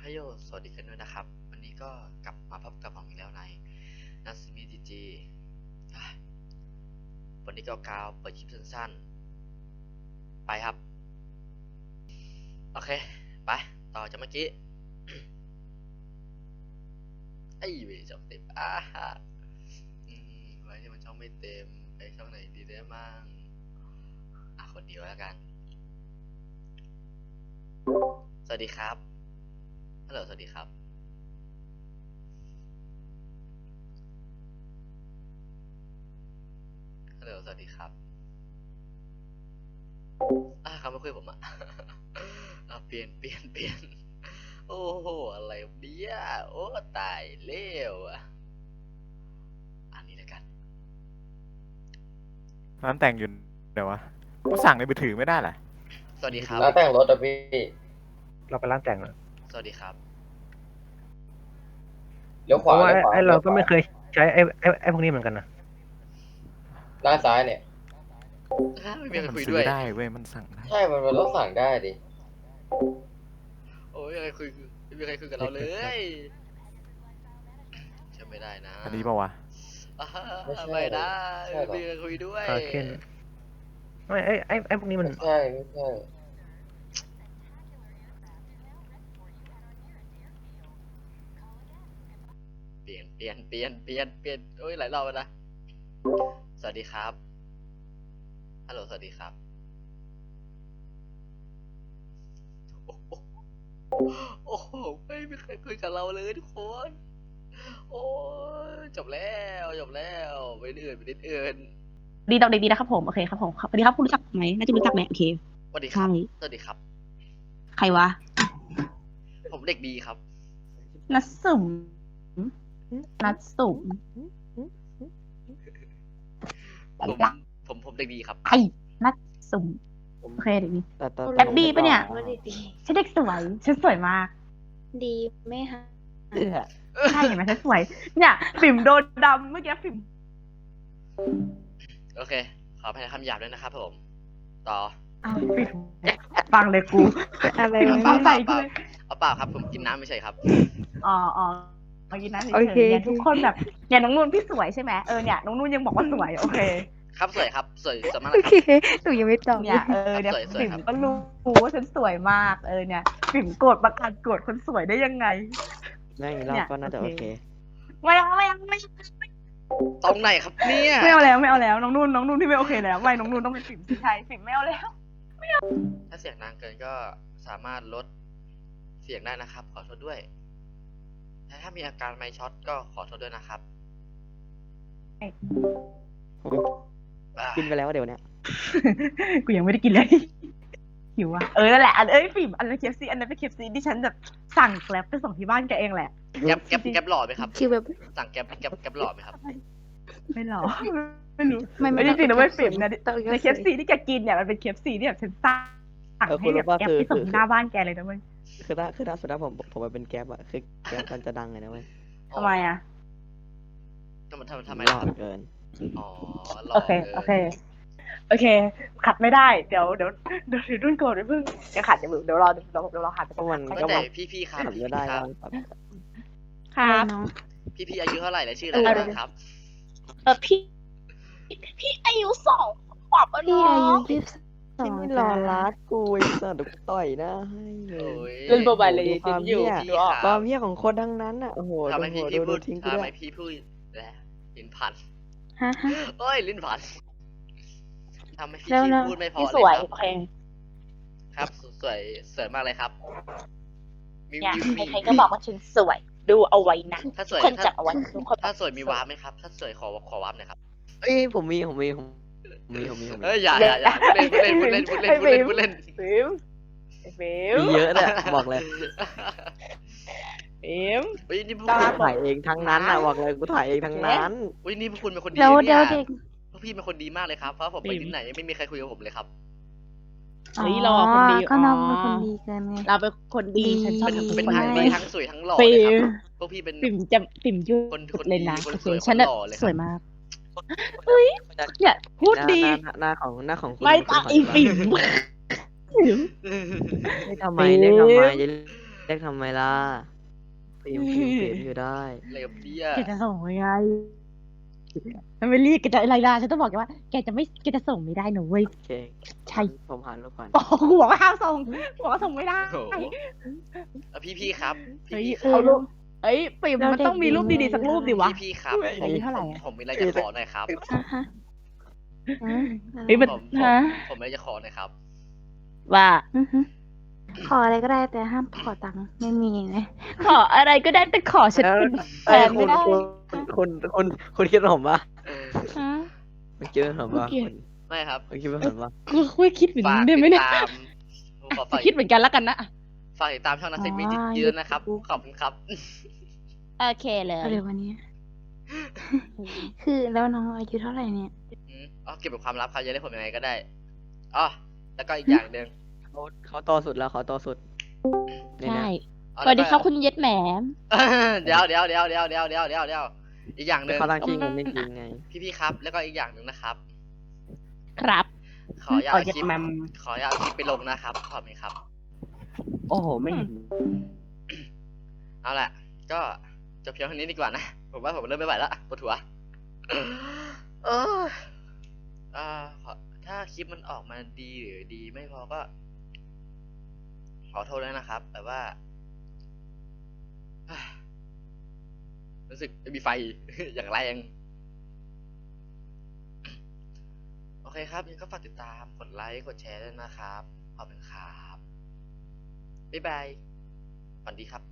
โยสวัสดีกันด้วยนะครับวันนี้ก็กลับมาพบกับผมอีกแล้วในนัสมิจีวันนี้ก็กาวเปิดคลิปสั้นๆไปครับโอเคไปต่อจากเมื่อกี้ ไอ้เวช่องเต็มไว้ที่มันช่องไม่เต็มไปช่องไหนดีได้มั่งคนเดียวแล้วกันสวัสดีครับฮัลโหลสวัสดีครับฮัลโหลสวัสดีครับเขาไม่คุยผมเปลี่ยนโอ้โหอะไรเนี่ยโอ้ตายเร็วอันนี้แล้วกันร้านแต่งอยู่เดี๋ยววะกูสั่งในมือถือไม่ได้เหรอสวัสดีครับร้านแต่งรถอะพี่เราไปร้านแต่งเหรอสวัสดีครับเลี้ยวขเพวาราะว่าเลี้ยวขวาไอ้เราก็ไม่เคยใช้ไอ้พวกนี้เหมือนกันนะด้านซ้ายเนี่ยไม่มีใครมันคุยซื้ด้อวยได้เว้ยมันสั่งได้ใช่มันต้องสั่งได้ดิโอ้ยไม่มีใครคุยกับเราเลยใช่ไม่ได้นะอันนี้ป่าวะไม่ได้ไม่มีใครคุยด้วยคาเคนไม่ไอ้พวกนี้มันไม่ใช่เปลี่ยนโอ้ยหลายรอบแล้วนะสวัสดีครับฮัลโหลสวัสดีครับโอ้โหไม่มีใครคุยกับเราเลยทุกคนโอ้จบแล้วไปอื่นดีดอกเด็กดีนะครับผมโอเคครับผมสวัสดีครับคุณรู้จักไหมน่าจะรู้จักไหมโอเคสวัสดีครับใช่สวัสดีครับใครวะผมเด็กดีครับนัดสุ่มผมเด็กดีครับไอ้นัดสุ่มโอเคเด็กดีแต่แอปดีปะเนี่ยฉันเด็กสวยฉันสวยมากดีไหมคะใช่เห็นไหมฉันสวย เนี่ยปิ่มโดนดำเมื่อกี้ปิ่มโอเคขออภัยในคำหยาบด้วยนะครับผมต่ออ้าวปิ่มฟังเลยกูอะไรปิ่มวะฟังเปใจล่ากูเลยเอาเปล่าครับผมกินน้ำไม่ใช่ครับอ๋อเมื่อกี้นั้นเฉโอย เคๆเนี่ยทุกคนแบบเนี่ยน้องนุ่นพี่สวยใช่ไหมเนี่ยน้องนุ่นยังบอกว่าสวยโอเคครับสวยครับสวยมากโอเลยเคหนูยังไม่ตอบเนี่ยเนี่ยสวยปิ่มครับก็รู้ว่าฉันสวยมากเนี่ยปิ่มโกรธประกาศโกรธคนสวยได้ยังไงไม่เราก็น่าจะโอเคไม่เอาตรงไหนครับเนี่ยไม่เอาแล้วน้องนุ่นที่ไม่โอเคแล้วไม่น้องนุ่นต้องเป็นปิ่มสิใช่ปิ่มไม่เอาแล้วถ้าเสียงดังเกินก็สามารถลดเสียงได้นะครับ ขอโทษด้วยแต่ถ้ามีอาการไมค์ช็อตก็ขอโทษด้วยนะครับกินไปแล้วเดี๋ยวเนี้ยกูยังไม่ได้กินเลยหิวอ่ะนั่นแหละปิ่มอันนั้นเคฟซีอันนั้นเป็นเคฟซีที่ฉันแบบสั่งแกร็บไปส่งที่บ้านแกเองแหละแก๊ปหล่อไหมครับคือแบบสั่งแก๊ปหล่อไหมครับไม่หรอไม่รู้ไม่ไม่จริงๆนะไม่ปิ่มนะต้องในเคฟซีที่แกกินเนี่ยมันเป็นเคฟซีที่แบบฉันสั่งให้แบบแกร็บไปส่งที่หน้าบ้านแกเลยนะเว้ยคือถ้าสุดท้ายผมมาเป็นแก๊ปอะคือแก๊ปมันจะดังไงนะเว้ยทำไมอ่ะทำไมหล่อครับเกินอ๋อหล่อโอเคกินโอเคขัดไม่ได้เดี๋ยวรุ่นโกรธไปพึ่งเดี๋ยวขัดเดี๋ยวรอขัดเพราะมันก็แต่พี่ครับขับพี่จะได้ครับครับน้องพี่อายุเท่าไหร่และชื่ออะไรบ้างครับพี่อายุ2 ขวบแล้วพี่เนาอายุะ 22 ที่ไม่รอรัดกูไอ้สัตว์เดี๋ยวกูต่อยหน้าให้เลโอ้ยยเล่นโมบายเลยดูความเหี้ยพี่ครับความเหี้ยของคนทั้งนั้นอะโอ้โหทำไมพี่ดูพูดทิ้งกูทำด้ไมวยพี่พูดแล้วลิ้นพันฮะโอ้ยลิ้นพันทำไมพี่แล้วพูดไม่พอพี่เลสวยยโอเคครับสวยมากเลยครับมีเนี่ยมีใครๆก็บอกว่าฉันสวย ดูเอาไว้นะถ้าสทุวกยคนจับเอาไว้ทุกคนถ้าสวยมีวาร์ปไหมครับ ถ้าสวยขอวาร์ปหน่อยครับเอ้ยผมมีเอ้ยอย่าพูดเล่นพูดเล่นฟิล์มฟิล์มมีเยอะเลยบอกเลยฟิล์มเฮ้ยนี่พวกตาคุณถ่ายเองทั้งนั้นอะบอกเลยกูถ่ายเองทั้งนั้นเฮ้ยนี่พวกคุณเป็นคนดีแล้วนะเดี๋เนี่ยวย เด็กพวกพี่เป็นคนดีมากเลยครับ เพราะผมไปที่ไหนไม่มีใครคุยกับผมเลยครับเฮ้ยเราอะคนดีก็น้องเป็นอ๋อคนดีเกินไงเราเป็นคนดีฉันชอบเป็นคนทั้งดีดีทั้งสวยทั้งหล่อฟิเลยครับล์มพวกพี่เป็นปิ่มยุคนดเลยนะคนโอเคสวยฉันคนหล่อเลยครับสวยมากเนี่ยพูดดีหน้าของคุณไม่ตาอีปิ่มเรียกทำไมอย่ารียกทำไมล่ะฟิล์มอยู่ได้อะไรกับเดียแกจะส่งยังไงมันไม่รีบแกจะอะไรล่ะฉันต้องบอกแกว่าแกจะส่งไม่ได้หนูเว้ยโอเคใช่ผมหารูปก่อนโอ้กูบอกว่าห้ามส่งกูบอกว่าส่งไม่ได้โอ้โหพี่ครับเฮ้ยพี่เอารูปเอ้ยปิ่มมันต้องมีรูปดีๆสักรูปดิวะพี่ครับอายุเท่าไหร่อะผมมีอะไรจะขอหน่อยครับฮะฮะอืมเฮ้ยมันผมฮะผมมีอะไรจะขอหน่อยครับว่าอือฮึขออะไรก็ได้แต่ห้ามขอตังค์ไม่มีนะขออะไรก็ได้แต่ขอฉันเป็นแฟเอ้ยนไม่ได้คุณคิดว่าผมปะฮะคุณคิดว่าผมปะโอเคไม่ครับคุณคิดว่าผมปะกูคุยคิดเหมือนฝากได้ไหมติดเนี่ยตามผมขอฝากคิดเหมือนกันแล้วกันนะฝากติดตามช่องนักเซ็ตมีเยอะนะครับ ขอบคุณครับโอเคเลยอะไรวันนี้ คือแล้วน้องอายุเท่าไหร่เนี่ยอ๋อเก็บเป็นความลับครับจะได้ผมยังไงก็ได้อ๋อแล้วก็อีกอย่างหนึ่งเขาโตสุดแล้วเขาโตสุดเนี่ยใช่อ๋อสวัสดีครับแล้วก็คุณเย็ดแหมมเดี๋ยวอีกอย่างหนึ่งเขาตั้งชื่อเงินจริงๆไงพี่ครับ แล้วก็อีกอย่างหนึ่งนะครับครับขออย่าเอาคลิปแมมขออย่าเอาคลิปไปลงนะครับขอบคุณครับโอ้โหไม่เห็นเอาล่ะ ก็จบเพียงเท่านี้ดีกว่านะ ผมว่าผมเริ่มไม่ไหวแล้วปวดหัวเออถ้าคลิปมันออกมาดีหรือดีไม่พอก็ ขอโทษด้วยนะครับ แต่ว่า รู้สึกจะมีไฟ อย่างแรง โอเคครับยังก็ฝากติดตามกดไลค์กดแชร์ด้วยนะครับขอบคุณครับบ๊ายบายฝันดีครับ